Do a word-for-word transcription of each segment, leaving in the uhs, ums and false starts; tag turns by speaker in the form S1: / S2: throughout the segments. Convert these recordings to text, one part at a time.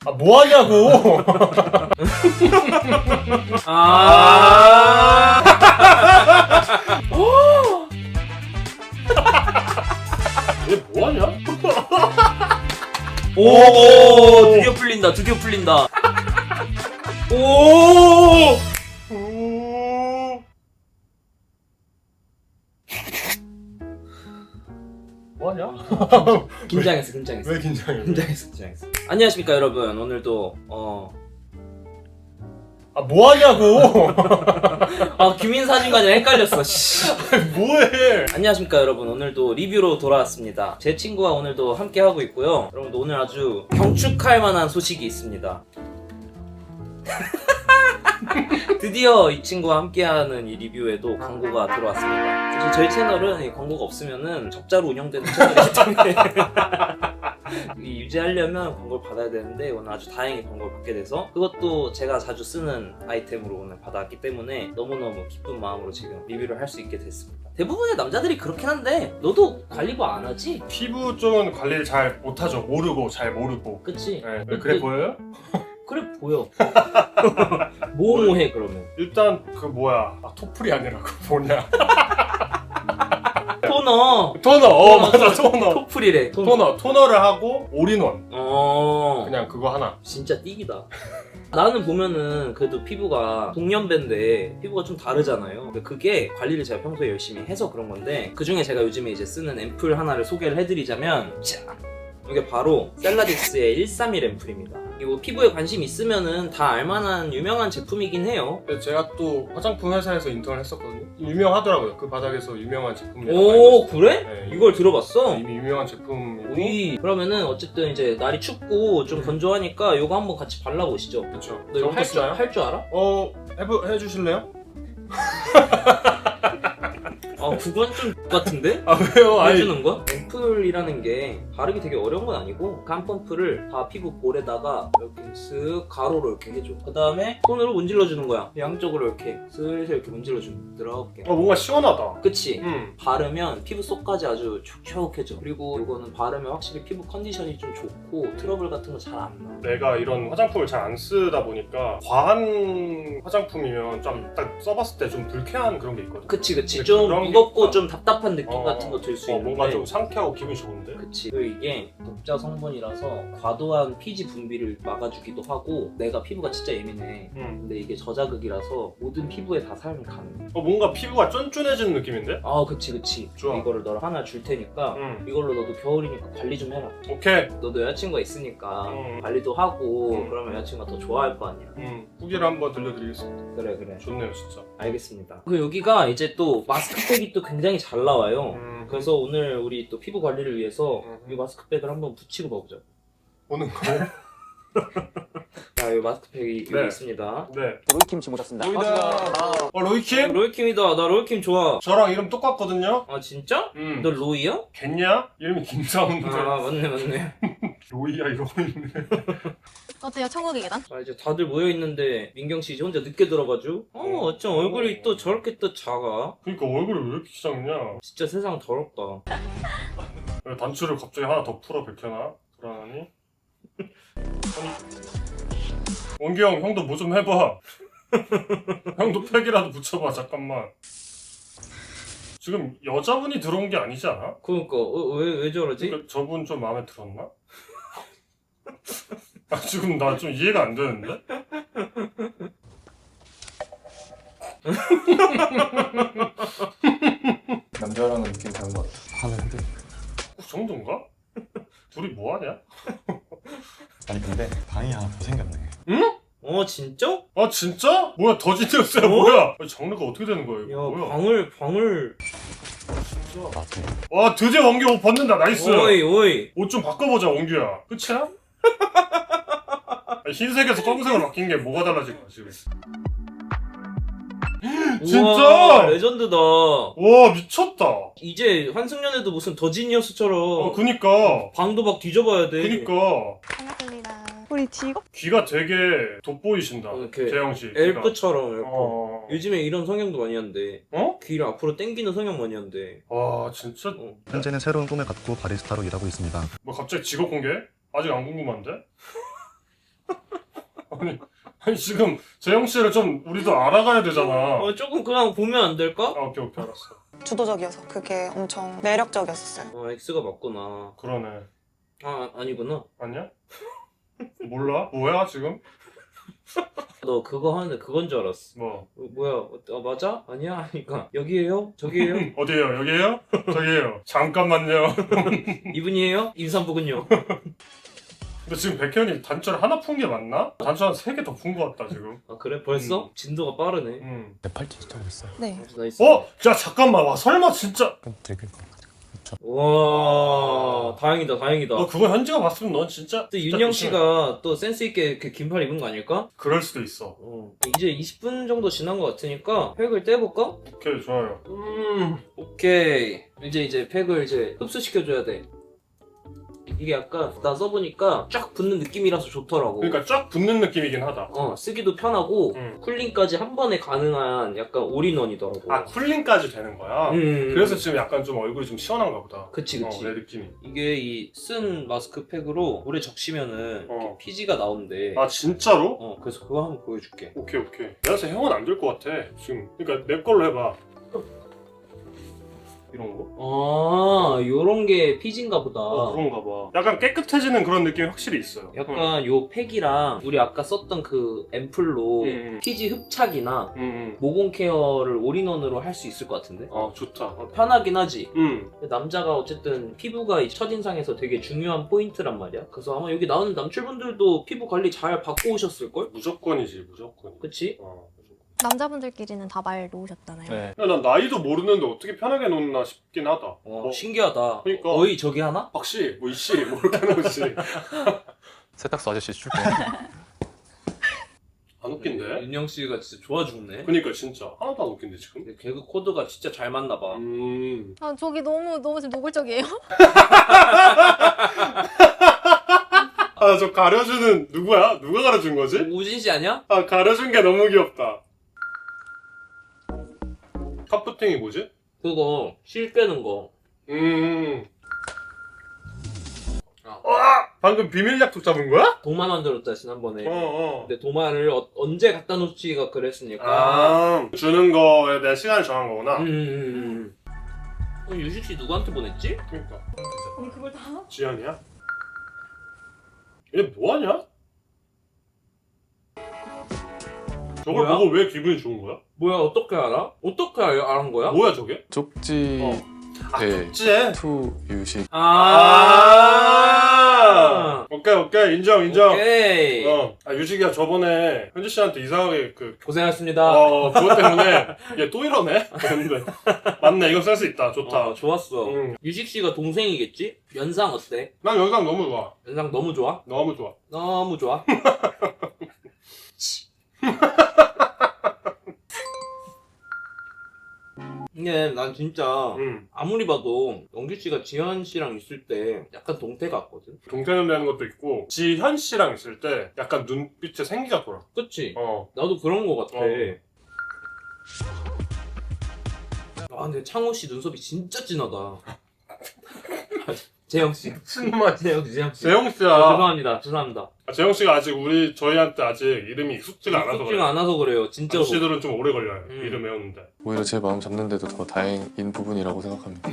S1: 아 뭐하냐고.
S2: 아.
S1: 얘 뭐하냐?
S2: 오, 드디어 풀린다. 드디어 풀린다. 오.
S1: 뭐하냐?
S2: 긴장했어, 긴장했어.
S1: 왜 긴장해?
S2: 긴장했어, 긴장했어. 안녕하십니까 여러분. 오늘도 어.
S1: 아 뭐하냐고.
S2: 아 규민 사진관이랑 헷갈렸어. 씨.
S1: 뭐해?
S2: 안녕하십니까 여러분. 오늘도 리뷰로 돌아왔습니다. 제 친구와 오늘도 함께 하고 있고요. 여러분도 오늘 아주 경축할 만한 소식이 있습니다. 드디어 이 친구와 함께하는 이 리뷰에도 광고가 들어왔습니다. 사실 저희 채널은 이 광고가 없으면은 적자로 운영되는 채널이기 때문에 이 유지하려면 광고를 받아야 되는데 오늘 아주 다행히 광고를 받게 돼서 그것도 제가 자주 쓰는 아이템으로 오늘 받아왔기 때문에 너무너무 기쁜 마음으로 지금 리뷰를 할 수 있게 됐습니다. 대부분의 남자들이 그렇긴 한데 너도 관리부 안 하지?
S1: 피부 쪽은 관리를 잘 못하죠. 모르고 잘 모르고.
S2: 그치?
S1: 네. 왜 그래 보여요?
S2: 그래 보여. 뭐뭐해 그러면?
S1: 일단 그 뭐야? 아 토플이 아니라 그 뭐냐?
S2: 토너.
S1: 토너. 어 맞아 토너.
S2: 토플이래.
S1: 토너. 토너를 하고 올인원.
S2: 어.
S1: 그냥 그거 하나.
S2: 진짜 띠기다. 나는 보면은 그래도 피부가 동년배인데 피부가 좀 다르잖아요. 그게 관리를 제가 평소에 열심히 해서 그런 건데 그 중에 제가 요즘에 이제 쓰는 앰플 하나를 소개를 해드리자면 자, 이게 바로 셀라딕스의 일삼일 앰플입니다. 이거 피부에 관심 있으면은 다 알만한 유명한 제품이긴 해요.
S1: 그래서 제가 또 화장품 회사에서 인턴을 했었거든요. 유명하더라고요. 그 바닥에서 유명한 제품이라고.
S2: 오 그래?
S1: 네,
S2: 이걸 들어봤어?
S1: 이미 유명한 제품이고.
S2: 오이. 그러면은 어쨌든 이제 날이 춥고 좀 건조하니까 이거 한번 같이 발라보시죠.
S1: 그렇죠.
S2: 너 이거 할 줄 할 줄 알아?
S1: 어 해보 해주실래요?
S2: 아 그건 좀 같은데?
S1: 아 왜요? 아니
S2: 해주는 거? 앰플이라는 게 바르기 되게 어려운 건 아니고 간 펌프를 다 피부 볼에다가 이렇게 쓱 가로로 이렇게 해줘. 그 다음에 손으로 문질러주는 거야. 양쪽으로 이렇게 슬슬 이렇게 문질러주면 부드럽게.
S1: 어 뭔가 시원하다.
S2: 그치?
S1: 음.
S2: 바르면 피부 속까지 아주 촉촉해져. 그리고 이거는 바르면 확실히 피부 컨디션이 좀 좋고 트러블 같은 거 잘 안 나.
S1: 내가 이런 화장품을 잘 안 쓰다 보니까 과한 화장품이면 좀 딱 써봤을 때 좀 불쾌한 그런 게 있거든.
S2: 그치 그치.
S1: 근데
S2: 좀
S1: 그런 게
S2: 무겁고
S1: 있다.
S2: 좀 답답한 느낌
S1: 어,
S2: 같은 거 들 수
S1: 어,
S2: 있는데
S1: 뭔가 좀 상쾌하고 기분이 좋은데.
S2: 그치. 그리고 이게 독자 성분이라서 과도한 피지 분비를 막아주기도 하고 내가 피부가 진짜 예민해.
S1: 음.
S2: 근데 이게 저자극이라서 모든 피부에 다 사용이 가능해.
S1: 어 뭔가 피부가 쫀쫀해지는 느낌인데?
S2: 아 그치 그치.
S1: 좋아.
S2: 이거를 너를 하나 줄 테니까
S1: 음.
S2: 이걸로 너도 겨울이니까 관리 좀 해라.
S1: 오케이.
S2: 너도 여자친구가 있으니까
S1: 음.
S2: 관리도 하고
S1: 음.
S2: 그러면 여자친구가 더 좋아할 거 아니야.
S1: 음. 후기를 한번 들려드리겠습니다.
S2: 그래 그래.
S1: 좋네요 진짜.
S2: 알겠습니다. 그리고 여기가 이제 또 마스크팩이 또 굉장히 잘 나와요.
S1: 음.
S2: 그래서 오늘 우리 또 피부 관리를 위해서
S1: 음.
S2: 이 마스크팩을 한번 붙이고 봐보자.
S1: 오는 거.
S2: 자, 이 마스크팩이
S1: 네.
S2: 여기 있습니다.
S1: 네.
S3: 로이킴 씨 모셨습니다.
S1: 로이다. 어 로이킴?
S2: 로이킴이다. 나 로이킴 좋아.
S1: 저랑 이름 똑같거든요.
S2: 아 진짜?
S1: 음.
S2: 너 로이야?
S1: 겠냐? 이름이 김사운데.
S2: 아 맞네 맞네.
S1: 로이야 이러고 있네.
S4: 어때요? 천국의 계단?
S2: 아 이제 다들 모여 있는데 민경 씨 이제 혼자 늦게 들어가죠? 어 어쩜 얼굴이 또 저렇게 또 작아?
S1: 그러니까 얼굴이 왜 이렇게 작냐?
S2: 진짜 세상 더럽다.
S1: 왜 단추를 갑자기 하나 더 풀어 백현아? 불안하니? 아니 원기 형 형도 뭐 좀 해봐. 형도 팩이라도 붙여봐 잠깐만. 지금 여자분이 들어온 게 아니지 않아?
S2: 그러니까 어, 왜, 왜 저러지?
S1: 그러니까 저분 좀 마음에 들었나? 아 지금 나 좀 이해가 안 되는데?
S5: 남자랑은 느낌 다른 것 같아. 하는데.
S1: 그 정도인가? 둘이 뭐 하냐?
S5: 아니 근데 방이 하나 더 생겼네.
S2: 어 진짜?
S1: 아 진짜? 뭐야 더 지니어스야
S2: 어?
S1: 뭐야? 아니, 장르가 어떻게 되는 거야
S2: 야
S1: 이거 뭐야?
S2: 방을 방을
S5: 맞아.
S1: 와 드디어 원기 옷 벗는다 나이스.
S2: 오이 오이.
S1: 옷 좀 바꿔보자 원규야. 끝이야? 아니, 흰색에서 검은색으로 바뀐 게 뭐가 달라진 거야 지금? 진짜?
S2: 우와, 레전드다.
S1: 와 미쳤다.
S2: 이제 환승연애도 무슨 더 지니어스처럼
S1: 어 그니까
S2: 방도 막 뒤져봐야 돼.
S1: 그니까
S4: 반갑습니다. 우리 직업?
S1: 귀가 되게 돋보이신다.
S2: 이렇게
S1: 재영 씨. 귀가.
S2: 엘프처럼 이렇게.
S1: 어.
S2: 요즘에 이런 성형도 많이 한대.
S1: 어?
S2: 귀를 앞으로 당기는 성형 많이 한대.
S1: 와 진짜
S2: 어.
S6: 현재는 새로운 꿈을 갖고 바리스타로 일하고 있습니다.
S1: 뭐 갑자기 직업 공개? 아직 안 궁금한데? 아니, 아니 지금 재영 씨를 좀 우리도 알아가야 되잖아.
S2: 어, 조금 그냥 보면 안 될까?
S1: 아, 오케이 오케이 알았어.
S3: 주도적이어서 그게 엄청 매력적이었었어요.
S2: 어, X가 맞구나.
S1: 그러네.
S2: 아, 아니구나.
S1: 아니야? 몰라? 뭐야 지금?
S2: 너 그거 하는데 그건 줄 알았어.
S1: 뭐
S2: 어, 뭐야? 어, 맞아? 아니야? 하니까 여기에요? 저기에요?
S1: 어디에요? 여기에요? 저기에요. 잠깐만요.
S2: 이분이에요? 임산부군요.
S1: 근데 지금 백현이 단추를 하나 푼 게 맞나? 단추 한 세 개 더 푼 거 같다 지금.
S2: 아 그래? 벌써?
S1: 음.
S2: 진도가 빠르네.
S1: 음.
S5: 내 팔찌 차고 있어요.
S3: 네.
S2: 나이스.
S1: 어? 야 잠깐만. 와 설마 진짜?
S5: 그럼 되게
S2: 와, 다행이다, 다행이다.
S1: 너 그거 현지가 봤으면 넌 진짜.
S2: 또
S1: 진짜
S2: 윤영
S1: 조심해.
S2: 씨가 또 센스 있게 그 긴팔 입은 거 아닐까?
S1: 그럴 수도 있어.
S2: 어. 이제 이십 분 정도 지난 것 같으니까 팩을 떼볼까?
S1: 오케이 좋아요. 음.
S2: 오케이. 이제 이제 팩을 이제 흡수시켜줘야 돼. 이게 약간 나 써보니까 쫙 붙는 느낌이라서 좋더라고.
S1: 그러니까 쫙 붙는 느낌이긴 하다.
S2: 어, 쓰기도 편하고
S1: 음.
S2: 쿨링까지 한 번에 가능한 약간 올인원이더라고.
S1: 아 쿨링까지 되는 거야?
S2: 음.
S1: 그래서 지금 약간 좀 얼굴이 좀 시원한가 보다.
S2: 그치 그치.
S1: 어, 내 느낌이.
S2: 이게 이 쓴 마스크팩으로 오래 적시면은
S1: 어.
S2: 이렇게 피지가 나온대.
S1: 아 진짜로?
S2: 어, 그래서 그거 한번 보여줄게.
S1: 오케이 오케이. 내가 형은 안 될 것 같아 지금. 그러니까 내 걸로 해봐. 이런 거?
S2: 아, 요런 게 피지인가 보다.
S1: 어 그런가 봐. 약간 깨끗해지는 그런 느낌이 확실히 있어요.
S2: 약간 요 팩이랑 우리 아까 썼던 그 앰플로
S1: 응. 음,
S2: 피지 흡착이나
S1: 음. 음.
S2: 모공 케어를 올인원으로 할 수 있을 것 같은데?
S1: 아 좋다.
S2: 어, 편하긴 하지.
S1: 음.
S2: 남자가 어쨌든 피부가 이 첫인상에서 되게 중요한 포인트란 말이야. 그래서 아마 여기 나오는 남출분들도 피부 관리 잘 받고 오셨을걸?
S1: 무조건이지 무조건.
S2: 그치?
S1: 어. 무조건.
S4: 남자분들끼리는 다 말 놓으셨잖아요.
S5: 네.
S1: 야, 난 나이도 모르는데 어떻게 편하게 놓나 싶긴 하다.
S2: 어,
S1: 뭐,
S2: 신기하다.
S1: 그러니까.
S2: 어이 저기 하나?
S1: 박씨, 뭐 이씨, 뭐 이렇게 놓지.
S5: 세탁소 아저씨 출근.
S1: 안 웃긴데?
S2: 윤영 씨가 진짜 좋아 죽네.
S1: 그니까 진짜 하나도 안 웃긴데 지금?
S2: 근데 개그 코드가 진짜 잘 맞나 봐.
S1: 음.
S4: 아, 저기 너무 너무 지금 노골적이에요.
S1: 아, 저 가려주는 누구야? 누가 가려준 거지?
S2: 우진 씨 아니야?
S1: 아, 가려준 게 너무 귀엽다. 카프팅이 뭐지?
S2: 그거 실 빼는 거.
S1: 음. 와! 방금 비밀 약속 잡은 거야?
S2: 도마 만들었다 지난번에.
S1: 어, 어.
S2: 근데 도마를 어- 언제 갖다 놓지가 그랬으니까.
S1: 아, 주는 거에 대한 시간을 정한 거구나.
S2: 음, 음, 음. 어, 유식 씨 누구한테 보냈지?
S1: 그러니까.
S4: 언니 그걸 다?
S1: 지연이야? 얘 뭐하냐? 저걸
S2: 뭐야?
S1: 보고 왜 기분이 좋은 거야?
S2: 뭐야 어떻게 알아? 어떻게 알, 알은 거야?
S1: 뭐야 저게?
S5: 쪽지
S1: 어. 아,
S5: 네.
S1: 쪽지에?
S5: 투 유식.
S1: 아, 오케이 오케이 인정 인정.
S2: 오케이.
S1: 어. 아 유식이야 저번에 현지 씨한테 이상하게 그
S2: 고생하셨습니다.
S1: 어, 그것 때문에 얘 또 이러네? 그랬는데 맞네 이거 쓸 수 있다 좋다.
S2: 어, 좋았어.
S1: 응.
S2: 유식 씨가 동생이겠지? 연상 어때?
S1: 난 영상 너무 좋아.
S2: 연상 너무 좋아?
S1: 너무 좋아.
S2: 너무 좋아. 근데 난 진짜
S1: 응.
S2: 아무리 봐도 영규 씨가 지현 씨랑 있을 때 약간 동태 같거든.
S1: 동태는 되는 것도 있고 지현 씨랑 있을 때 약간 눈빛에 생기가 돌아.
S2: 그치?
S1: 어.
S2: 나도 그런 거 같아.
S1: 어.
S2: 아 근데 창호 씨 눈썹이 진짜 진하다. 재영 씨.
S1: 신맛.
S2: 재영 씨, 재영 씨.
S1: 재영 씨야.
S2: 아, 죄송합니다. 죄송합니다.
S1: 아, 재영 씨가 아직 우리 저희한테 아직 이름이 익숙지가 않아서
S2: 익숙지가
S1: 그래요.
S2: 않아서 그래요. 진짜로.
S1: 아저씨들은 좀 오래 걸려요.
S2: 음.
S1: 이름 외우는데.
S5: 오히려 제 마음 잡는데도 더 다행인 부분이라고 생각합니다.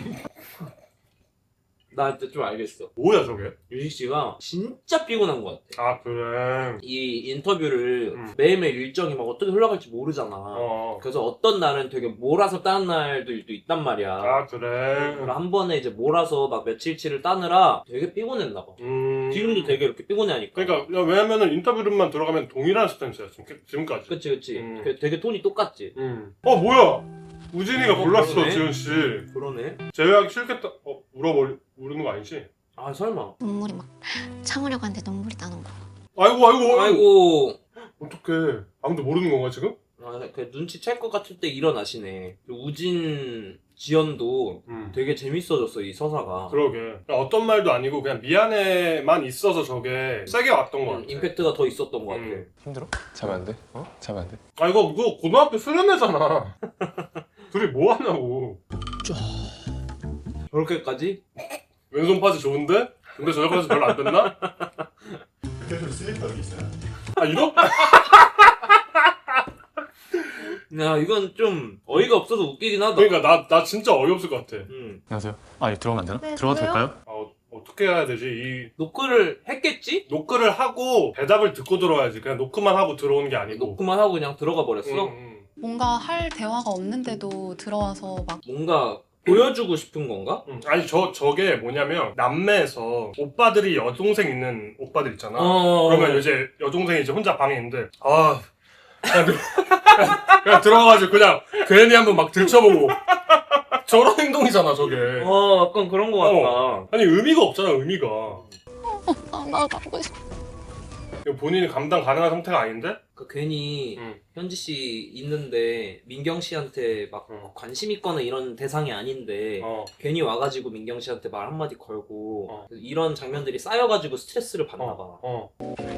S2: 나 진짜 좀 알겠어.
S1: 뭐야 저게?
S2: 유식 씨가 진짜 피곤한 것 같아.
S1: 아 그래.
S2: 이 인터뷰를
S1: 음.
S2: 매일매일 일정이 막 어떻게 흘러갈지 모르잖아.
S1: 어.
S2: 그래서 어떤 날은 되게 몰아서 따는 날들도 있단 말이야.
S1: 아 그래.
S2: 그래서 한 번에 이제 몰아서 막 며칠치를 따느라 되게 피곤했나 봐.
S1: 음.
S2: 지금도 되게 이렇게 피곤해하니까.
S1: 그러니까 야, 왜냐면은 인터뷰룸만 들어가면 동일한 스탠스야 지금 지금까지.
S2: 그치 그치.
S1: 음.
S2: 그 되게 톤이 똑같지.
S1: 음. 어 뭐야? 우진이가
S2: 어,
S1: 골랐어
S2: 그러네.
S1: 지현 씨.
S2: 그러네.
S1: 제외하기 싫겠다. 어 울어버리 우는 거 아니지?
S2: 아 설마.
S6: 눈물이 막 참으려고 하는데 눈물이 나는 거.
S1: 아이고 아이고.
S2: 아이고.
S1: 어떡해. 아무도 모르는 건가 지금?
S2: 아, 그 눈치 챌 것 같을 때 일어나시네. 그리고 우진 지연도
S1: 음.
S2: 되게 재밌어졌어 이 서사가.
S1: 그러게. 어떤 말도 아니고 그냥 미안해만 있어서 저게 세게 왔던 거
S2: 음,
S1: 같아.
S2: 임팩트가 더 있었던 것 같아.
S1: 음.
S5: 힘들어? 자면 안 돼? 어? 자면 안 돼?
S1: 아 이거 이거 고등학교 수련회잖아. 둘이 뭐 하냐고.
S2: 저렇게까지?
S1: 왼손 파지 좋은데? 근데 저녁까지 별로 안 됐나?
S5: 그대로 슬리퍼 여기 있어요.
S1: 아 이런?
S2: 야 이건 좀 어이가 없어서 웃기긴 하다.
S1: 그러니까 나 나 진짜 어이없을 것 같아.
S2: 음.
S5: 안녕하세요. 아, 이거 들어가면 안 되나?
S4: 네,
S5: 들어가도
S4: 저도요?
S5: 될까요?
S1: 아, 어, 어떻게 해야 되지? 이
S2: 노크를 했겠지?
S1: 노크를 하고 대답을 듣고 들어와야지. 그냥 노크만 하고 들어오는 게 아니고.
S2: 노크만 하고 그냥 들어가 버렸어.
S1: 음, 음.
S7: 뭔가 할 대화가 없는데도 들어와서 막
S2: 뭔가 보여주고 싶은 건가?
S1: 음. 아니 저 저게 뭐냐면 남매에서 오빠들이 여동생 있는 오빠들 있잖아.
S2: 어.
S1: 그러면 이제 여동생이 이제 혼자 방에 있는데 아 그냥, 들- 그냥, 그냥 들어가가지고 그냥 괜히 한번 막 들춰보고 저런 행동이잖아 저게.
S2: 어 약간 그런 거 같다.
S1: 어. 아니 의미가 없잖아 의미가.
S6: 아, 나가고 싶어.
S1: 이거 본인이 감당 가능한 상태가 아닌데?
S2: 그 괜히
S1: 응.
S2: 현지 씨 있는데 민경 씨한테 막
S1: 어.
S2: 관심 있거나 이런 대상이 아닌데
S1: 어.
S2: 괜히 와가지고 민경 씨한테 말 한마디 걸고
S1: 어.
S2: 이런 장면들이 쌓여가지고 스트레스를 받나 봐.
S1: 어.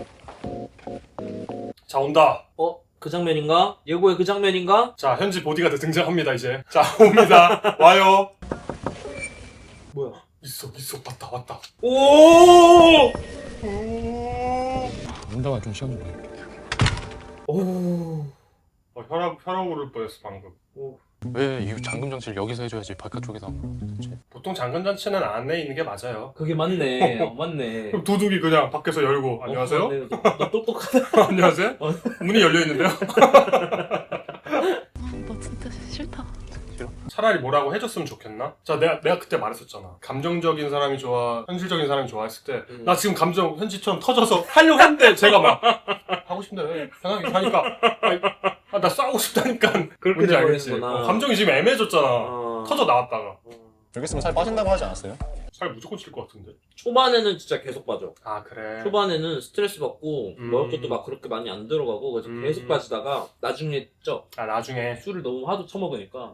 S1: 자 온다.
S2: 어? 그 장면인가? 예고의 그 장면인가?
S1: 자 현지 보디가드 등장합니다 이제. 자 옵니다. 와요.
S2: 뭐야?
S1: 있어 있어 왔다 왔다.
S2: 오!
S5: 문다가 좀 시간 좀 걸릴게요.
S2: 오.
S1: 어, 혈압 혈압 오를 뻔했어 방금.
S5: 왜 이 잠금 장치를 여기서 해줘야지 바깥쪽에서 안 그러지?
S1: 보통 장근 잔치는 안에 있는 게 맞아요.
S2: 그게 맞네. 어, 맞네.
S1: 그럼 도둑이 그냥 밖에서 열고 안녕하세요?
S2: 어, 맞네. 너, 너 똑똑하다.
S1: 안녕하세요?
S2: 어.
S1: 문이 열려 있는데요?
S7: 아, 너 진짜 싫다.
S1: 차라리 뭐라고 해줬으면 좋겠나? 자 내가 내가 그때 말했었잖아. 감정적인 사람이 좋아, 현실적인 사람이 좋아 했을 때 나
S2: 음.
S1: 지금 감정 현지처럼 터져서 하려고 했는데 제가 막 하고 싶은데 편하게 하니까 아, 나 싸우고 싶다니까
S2: 그렇게
S1: 뭔지 알겠지?
S2: 돼버리는구나.
S1: 어, 감정이 지금 애매해졌잖아.
S2: 어.
S1: 터져 나왔다가
S5: 여기 있으면 살 빠진다고 하지 않았어요?
S1: 살 무조건 칠 것 같은데.
S2: 초반에는 진짜 계속 빠져.
S1: 아 그래.
S2: 초반에는 스트레스 받고
S1: 음.
S2: 먹을 것도 막 그렇게 많이 안 들어가고 그래서
S1: 음.
S2: 계속 빠지다가 나중에 쪄.
S1: 아 나중에
S2: 술을 너무 하도 처먹으니까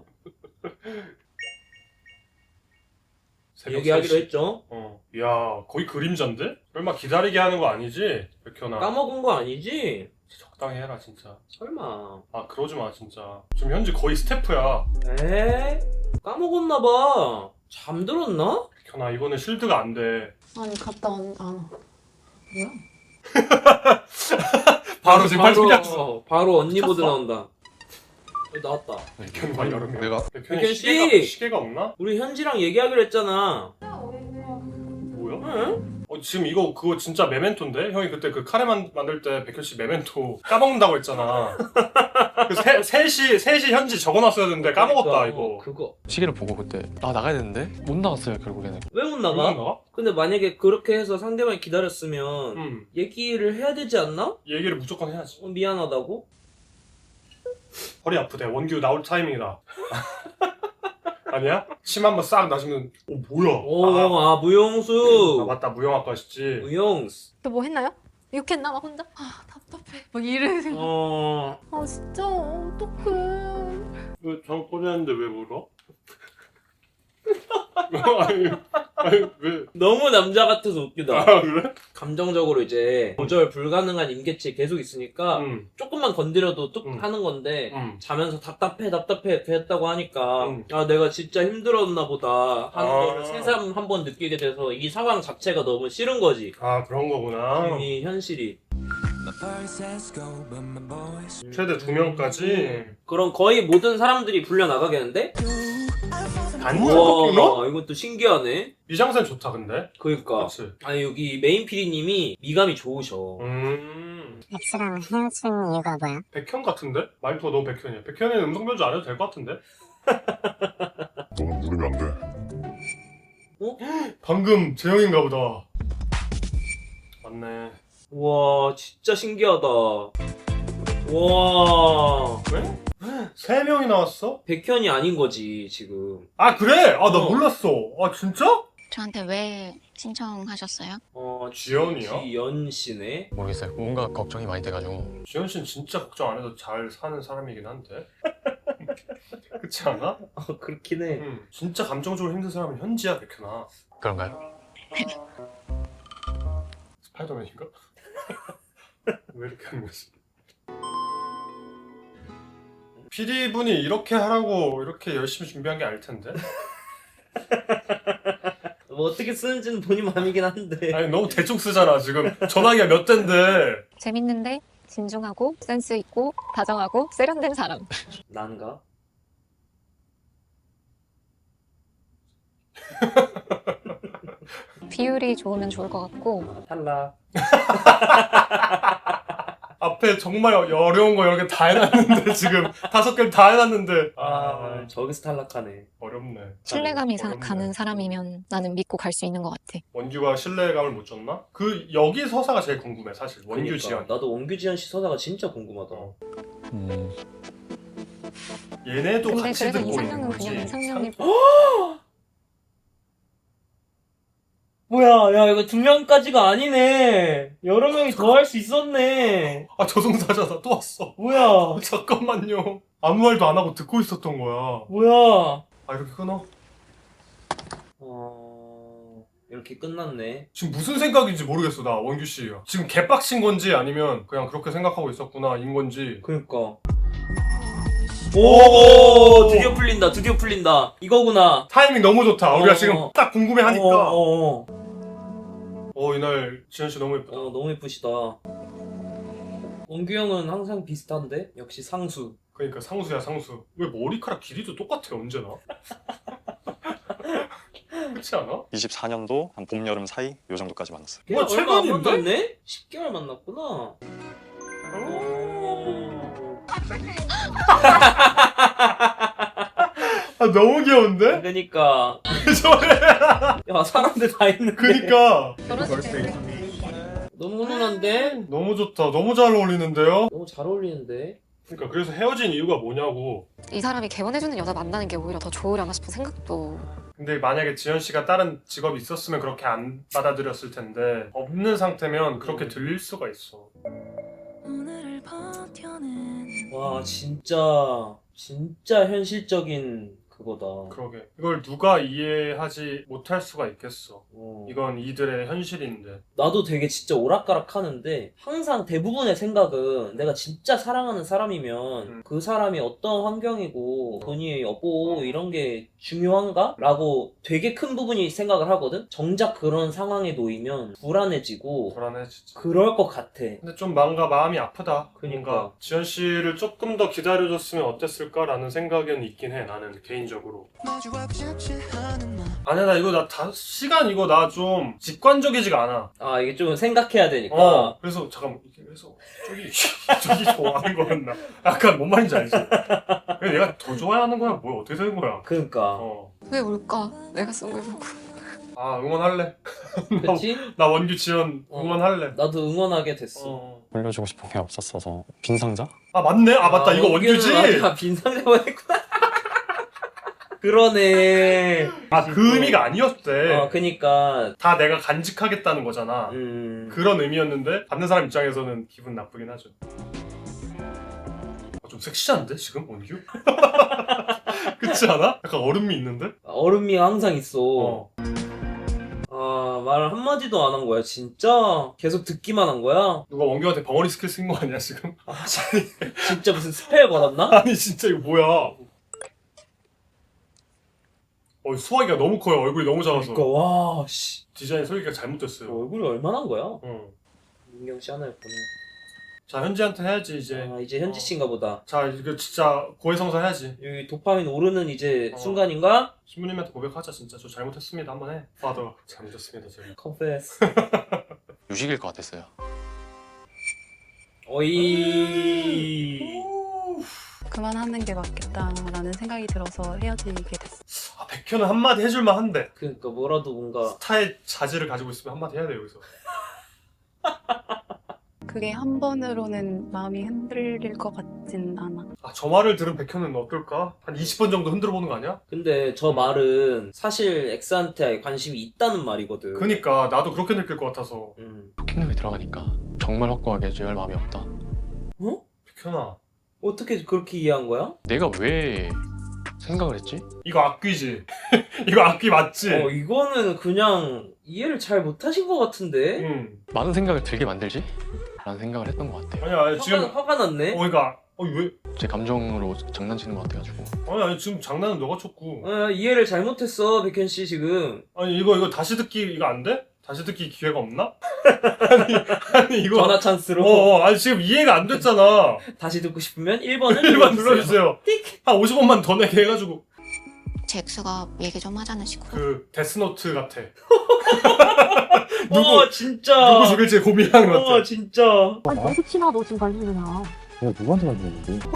S1: 새벽
S2: 얘기하기로
S1: 세 시.
S2: 했죠.
S1: 어. 이야 거의 그림자인데? 설마 기다리게 하는 거 아니지? 백현아.
S2: 까먹은 거 아니지?
S1: 적당히 해라 진짜.
S2: 설마.
S1: 아 그러지 마 진짜. 지금 현지 거의 스태프야.
S2: 에? 까먹었나 봐. 잠들었나?
S1: 백현아 이거는 실드가 안 돼.
S7: 아니 갔다 온 안. 뭐야?
S1: 바로 지금 팔뚝 꼈어.
S2: 어, 바로 언니 보드 나온다. 여기 나왔다.
S1: 백현이 많이 여름이야.
S5: 내가
S1: 백현이
S2: 백현
S1: 시계가,
S2: 씨!
S1: 시계가 없나?
S2: 우리 현지랑 얘기하기로 했잖아.
S1: 뭐야?
S2: 응?
S1: 어, 지금 이거 그거 진짜 메멘토인데? 형이 그때 그 카레 만, 만들 때 백현 씨 메멘토 까먹는다고 했잖아. 그 세, 셋이 셋이 현지 적어놨어야 되는데 까먹었다
S2: 그러니까,
S1: 이거.
S2: 어, 그거.
S5: 시계를 보고 그때 아 나가야 되는데 못 나갔어요 결국에는.
S2: 왜 못
S1: 왜
S2: 나가?
S1: 안 나가?
S2: 근데 만약에 그렇게 해서 상대방이 기다렸으면
S1: 응.
S2: 얘기를 해야 되지 않나?
S1: 얘기를 무조건 해야지.
S2: 어, 미안하다고?
S1: 허리 아프대. 원규 나올 타이밍이다. 아니야? 침 한번 싹 나시면 오 뭐야?
S2: 오,
S1: 아,
S2: 아, 무용수.
S1: 아 맞다 무용학과시지.
S2: 무용수.
S4: 또 뭐 했나요? 욕했나 막 혼자?
S7: 아 답답해. 막 이래 생각.
S2: 어,
S4: 아 진짜 어떡해.
S1: 왜 장 꺼냈는데 왜 울어? 아니, 아니 왜?
S2: 너무 남자 같아서 웃기다.
S1: 아 그래?
S2: 감정적으로 이제 조절 불가능한 임계치 계속 있으니까
S1: 응.
S2: 조금만 건드려도 뚝
S1: 음.
S2: 하는 건데
S1: 응.
S2: 자면서 답답해 답답해 이렇게 했다고 하니까
S1: 음.
S2: 아 내가 진짜 힘들었나 보다 하는
S1: 아.
S2: 거를 새삼 한번 느끼게 돼서 이 상황 자체가 너무 싫은 거지.
S1: 아 그런 거구나.
S2: 이 현실이.
S1: 최대 두 명까지.
S2: 그럼 거의 모든 사람들이 불려 나가겠는데?
S1: 단무너
S2: 와 이것도 신기하네.
S1: 미장센 좋다 근데.
S2: 그러니까
S1: 그렇지.
S2: 아니 여기 메인 피디님이 미감이 좋으셔.
S1: 음.
S6: X랑 헤어진 이유가 뭐야?
S1: 백현 같은데? 말투가 너무 백현이야. 백현이는 음성 변조 안 해도 될 것 같은데?
S8: 너는 물으면 안 돼.
S2: 어?
S1: 방금 재영인가 보다. 맞네.
S2: 와 진짜 신기하다. 와
S1: 왜? 세 명이 나왔어?
S2: 백현이 아닌 거지 지금.
S1: 아 그래? 아 나
S2: 어.
S1: 몰랐어. 아 진짜?
S6: 저한테 왜 신청하셨어요?
S2: 어
S1: 지연이요?
S2: 지연 씨네.
S5: 모르겠어요. 뭔가 걱정이 많이 돼가지고.
S1: 지현 씨는 진짜 걱정 안 해도 잘 사는 사람이긴 한데. 그렇지 않아?
S2: 어 그렇긴 해.
S1: 응. 진짜 감정적으로 힘든 사람은 현지야 백현아.
S5: 그런가요?
S1: 스파이더맨인가? 왜 이렇게 하는 거지? 피디분이 이렇게 하라고 이렇게 열심히 준비한 게 아닐 텐데.
S2: 뭐 어떻게 쓰는지는 본인 마음이긴 한데.
S1: 아니 너무 대충 쓰잖아 지금. 전화기가 몇 대인데.
S4: 재밌는데 진중하고 센스 있고 다정하고 세련된 사람.
S2: 난가?
S4: 비율이 좋으면 좋을 것 같고
S2: 아, 탈락.
S1: 앞에 정말 어려운 거 여러 개 다 해놨는데 지금 다섯 개를 다 해놨는데
S2: 아,
S1: 아
S2: 저기서 탈락하네.
S1: 어렵네.
S4: 신뢰감이 사-
S1: 어렵네.
S4: 가는 사람이면 나는 믿고 갈 수 있는 것 같아.
S1: 원규가 신뢰감을 못 줬나? 그 여기 서사가 제일 궁금해 사실. 원규
S2: 그러니까,
S1: 지연.
S2: 나도 원규 지연 씨 서사가 진짜 궁금하다.
S1: 어.
S5: 음,
S1: 얘네도
S4: 근데
S1: 같이
S4: 그래도
S1: 듣고 있는
S4: 이상형은
S1: 거지.
S4: 그냥 이상형이
S2: 뭐야, 야, 이거 두 명까지가 아니네. 여러 명이 더 할 수 있었네.
S1: 아 저승사자다 또 왔어.
S2: 뭐야,
S1: 잠깐만요. 아무 말도 안 하고 듣고 있었던 거야.
S2: 뭐야.
S1: 아 이렇게 끊어?
S2: 어, 이렇게 끝났네.
S1: 지금 무슨 생각인지 모르겠어 나 원규 씨. 지금 개빡친 건지 아니면 그냥 그렇게 생각하고 있었구나 인 건지.
S2: 그니까. 오, 드디어 풀린다, 드디어 풀린다. 이거구나.
S1: 타이밍 너무 좋다. 우리가
S2: 어.
S1: 지금 딱 궁금해하니까.
S2: 어, 어, 어.
S1: 어 이날 지현 씨 너무 예쁘다.
S2: 어, 너무 예쁘시다. 원규 형은 항상 비슷한데? 역시 상수.
S1: 그러니까 상수야 상수. 왜 머리카락 길이도 똑같아 언제나? 그렇지 않아?
S5: 이십사 년도 한 봄, 여름 사이 요 정도까지 만났어요.
S1: 뭐,
S2: 얼마 안
S1: 최근인데?
S2: 만났네? 십 개월 만났구나.
S1: 어. 아 너무 귀여운데?
S2: 그러니까.
S1: 저래.
S2: 야, 사람들 다 있는데.
S1: 그니까
S2: 너무 훈훈한데?
S1: 너무 좋다. 너무 잘 어울리는데요?
S2: 너무 잘 어울리는데?
S1: 그러니까 그래서 헤어진 이유가 뭐냐고.
S3: 이 사람이 개원해주는 여자 만나는 게 오히려 더 좋으려나 싶은 생각도.
S1: 근데 만약에 지현 씨가 다른 직업이 있었으면 그렇게 안 받아들였을 텐데 없는 상태면 그렇게 들릴 수가 있어.
S2: 와, 진짜, 진짜 현실적인 그거다.
S1: 그러게. 이걸 누가 이해하지 못할 수가 있겠어.
S2: 어.
S1: 이건 이들의 현실인데.
S2: 나도 되게 진짜 오락가락 하는데 항상 대부분의 생각은 내가 진짜 사랑하는 사람이면
S1: 음.
S2: 그 사람이 어떤 환경이고 돈이 없고 이런 게 중요한가? 라고 되게 큰 부분이 생각을 하거든? 정작 그런 상황에 놓이면 불안해지고
S1: 불안해 진짜.
S2: 그럴 것 같아.
S1: 근데 좀 뭔가 마음이 아프다.
S2: 그니까.
S1: 뭔가 지현 씨를 조금 더 기다려줬으면 어땠을까라는 생각은 있긴 해. 나는 개인적으로. 아니야 나 이거 나 다 시간 이거 나 좀 직관적이지가 않아.
S2: 아, 이게 좀 생각해야 되니까.
S1: 어. 그래서 잠깐만 이게 그래서 저기 저기 좋아하는 거였나? 약간 뭔 말인지 알지? 그래 내가 더 좋아하는 거야? 뭐야 어떻게 되는 거야?
S2: 그러니까.
S1: 어.
S3: 왜 울까? 내가 쓴 걸 보고.
S1: 아 응원할래.
S2: 그치?
S1: 나 원규 지연
S2: 어.
S1: 응원할래.
S2: 나도 응원하게 됐어.
S1: 어.
S5: 올려주고 싶은 게 없었어서 빈 상자?
S1: 아 맞네. 아 맞다 이거
S2: 원규는
S1: 원규지.
S2: 맞아, 빈상자만 했구나. 그러네.
S1: 아 그 의미가 아니었대.
S2: 어, 그니까.
S1: 다 내가 간직하겠다는 거잖아.
S2: 음.
S1: 그런 의미였는데 받는 사람 입장에서는 기분 나쁘긴 하죠. 어, 좀 섹시한데 지금 원규? 그렇지 않아? 약간 얼음미 있는데?
S2: 얼음미가 항상 있어.
S1: 어.
S2: 아, 말 한마디도 안 한 거야, 진짜? 계속 듣기만 한 거야?
S1: 누가 원규한테 벙어리 스킬 쓴 거 아니야 지금?
S2: 아, 진짜 무슨 스펠 걸었나?
S1: 아니 진짜 이거 뭐야? 어 수화기가 너무 커요. 얼굴이 너무 작아서.
S2: 그니까, 와, 씨.
S1: 디자인 설계가 잘못됐어요.
S2: 얼굴이 얼마나 한 거야?
S1: 응.
S2: 민경 씨 하나 예쁘네.
S1: 자 현지한테 해야지 이제.
S2: 아, 이제 현지 씨인가 보다.
S1: 자 이거 진짜 고해성사 해야지.
S2: 여기 도파민 오르는 이제
S1: 어.
S2: 순간인가?
S1: 신부님한테 고백하자 진짜. 저 잘못했습니다 한번 해. 파더 잘못했습니다 제가.
S2: 컨페스.
S5: 유식일 것 같았어요.
S2: 어이.
S7: 그만하는 게 맞겠다라는 생각이 들어서 헤어지게 됐어.
S1: 아 백현은 한마디 해줄만 한데.
S2: 그니까 뭐라도 뭔가.
S1: 스타의 자질을 가지고 있으면 한마디 해야 돼 여기서.
S7: 그게 한 번으로는 마음이 흔들릴 것 같진 않아.
S1: 아 저 말을 들은 백현은 어떨까? 한 이십 번 정도 흔들어 보는 거 아니야?
S2: 근데 저 말은 사실 엑스한테 관심이 있다는 말이거든.
S1: 그니까 나도 그렇게 느낄 것 같아서.
S2: 음.
S5: 킹덤에 들어가니까 정말 확고하게 지할 마음이 없다.
S2: 어?
S1: 백현아
S2: 어떻게 그렇게 이해한 거야?
S5: 내가 왜 생각을 했지?
S1: 이거 악귀지? 이거 악귀 맞지?
S2: 어, 이거는 그냥 이해를 잘 못하신 것 같은데?
S1: 응.
S5: 많은 생각을 들게 만들지? 라는 생각을 했던 것 같아요.
S1: 아니야 아니, 지금
S2: 화가, 화가 났네?
S1: 어, 그러니까 아니 왜?
S5: 제 감정으로 장난치는 것 같아가지고.
S1: 아니 아니 지금 장난은 너가 쳤고.
S2: 어, 이해를 잘못했어 백현 씨 지금.
S1: 아니 이거 이거 다시 듣기 이거 안 돼? 다시 듣기 기회가 없나? 아니 아니 이거.
S2: 전화 찬스로.
S1: 어, 어 아니 지금 이해가 안 됐잖아.
S2: 다시 듣고 싶으면 일 번을
S1: 일 번
S2: 눌러주세요.
S1: 눌러주세요. 한 오십 원만 더 내게 해가지고.
S6: 제 엑스가 얘기 좀 하자는 식으로.
S1: 그 데스노트 같아.
S2: 어 진짜.
S1: 누구 죽일지 고민하는 것 같아.
S2: 어 진짜.
S9: 아니 혹시나 너 지금 관심이나
S5: 내가 누구한테 말했는데?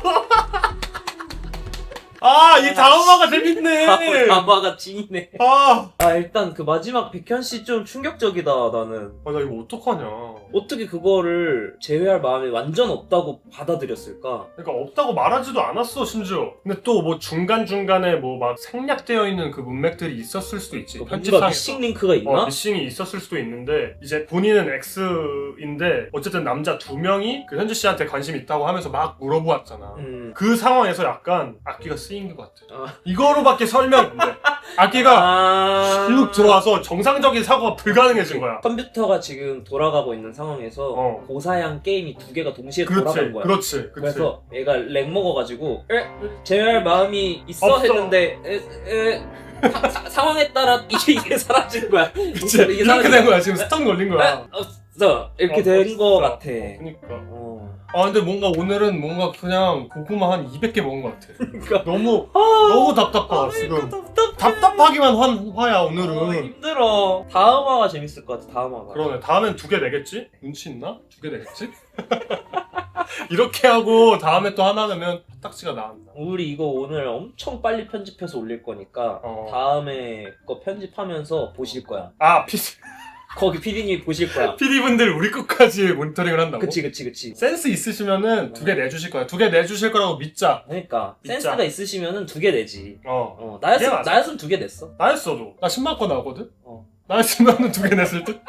S1: 아, 이 다음화가 재밌네.
S2: 다마가 찐이네.
S1: 아,
S2: 아 일단 그 마지막 백현 씨 좀 충격적이다 나는.
S1: 아, 나 이거 어떡하냐.
S2: 어떻게 그거를 제외할 마음이 완전 없다고 받아들였을까?
S1: 그러니까 없다고 말하지도 않았어, 심지어. 근데 또 뭐 중간중간에 뭐 막 생략되어 있는 그 문맥들이 있었을 수도 있지.
S2: 뭔가
S1: 편집상에서.
S2: 미싱 링크가 있나?
S1: 어, 미싱이 있었을 수도 있는데 이제 본인은 X인데 어쨌든 남자 두 명이 그 현지 씨한테 관심 있다고 하면서 막 물어보았잖아.
S2: 음.
S1: 그 상황에서 약간 악기가 쓰인 것 같아.
S2: 아.
S1: 이거로밖에 설명이 안 돼. 악기가
S2: 아...
S1: 쭉 들어와서 정상적인 사고가 불가능해진 거야.
S2: 컴퓨터가 지금 돌아가고 있는 상황에서
S1: 어.
S2: 고사양 게임이 두 개가 동시에
S1: 그렇지,
S2: 돌아간 거야.
S1: 그렇지, 그렇지.
S2: 그래서 얘가 렉 먹어가지고 에? 제외할 마음이 있어
S1: 없어.
S2: 했는데 에, 에, 사, 사, 상황에 따라 이게, 이게 사라진 거야.
S1: 그치,
S2: 이게
S1: 이렇게
S2: 사라진
S1: 된 거야. 지금 스턴 걸린
S2: 에?
S1: 거야.
S2: 없어 이렇게
S1: 어,
S2: 된 거
S1: 없어.
S2: 같아.
S1: 어, 그니까.
S2: 어.
S1: 아 근데 뭔가 오늘은 뭔가 그냥 고구마 한 이백 개 먹은 것 같아.
S2: 그러니까
S1: 너무
S2: 아,
S1: 너무 답답하 지금.
S2: 답답해.
S1: 답답하기만 한 화야
S2: 어,
S1: 오늘은.
S2: 힘들어. 다음 화가 재밌을 것 같아. 다음 화가.
S1: 그러네. 다음엔 두 개 내겠지? 눈치 있나? 두 개 내겠지? 이렇게 하고 다음에 또 하나 내면 딱지가 나왔나.
S2: 우리 이거 오늘 엄청 빨리 편집해서 올릴 거니까
S1: 어.
S2: 다음에 거 편집하면서 보실 거야.
S1: 아 피디
S2: 거기 피디님이 보실 거야.
S1: 피디분들 우리 끝까지 모니터링을 한다고?
S2: 그치 그치 그치.
S1: 센스 있으시면은 두 개 내주실 거야. 두 개 내주실 거라고 믿자.
S2: 그러니까
S1: 진짜.
S2: 센스가 있으시면은 두 개 내지.
S1: 어.
S2: 어
S1: 이게
S2: 나였으면
S1: 맞아.
S2: 나였으면 두 개 냈어.
S1: 나였어도. 나 십만 건 나오거든?
S2: 어.
S1: 나였으면은 두 개 냈을 듯?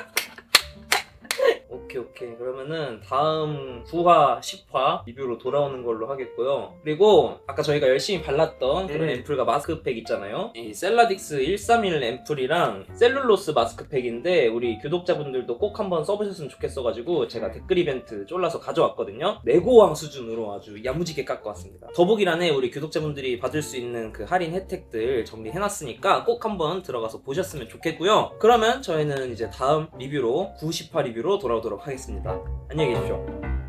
S2: 오케이 오케이 그러면은 다음 구 화, 십 화 리뷰로 돌아오는 걸로 하겠고요. 그리고 아까 저희가 열심히 발랐던 그런
S1: 음.
S2: 앰플과 마스크팩 있잖아요. 이 셀라딕스 백삼십일 앰플이랑 셀룰로스 마스크팩인데 우리 구독자분들도 꼭 한번 써보셨으면 좋겠어가지고 제가 댓글 이벤트 쫄라서 가져왔거든요. 내고왕 수준으로 아주 야무지게 깎아왔습니다. 더보기란에 우리 구독자분들이 받을 수 있는 그 할인 혜택들 정리해놨으니까 꼭 한번 들어가서 보셨으면 좋겠고요. 그러면 저희는 이제 다음 리뷰로 구, 십 화 리뷰로 돌아오도록 하겠습니다. 안녕히 계십시오.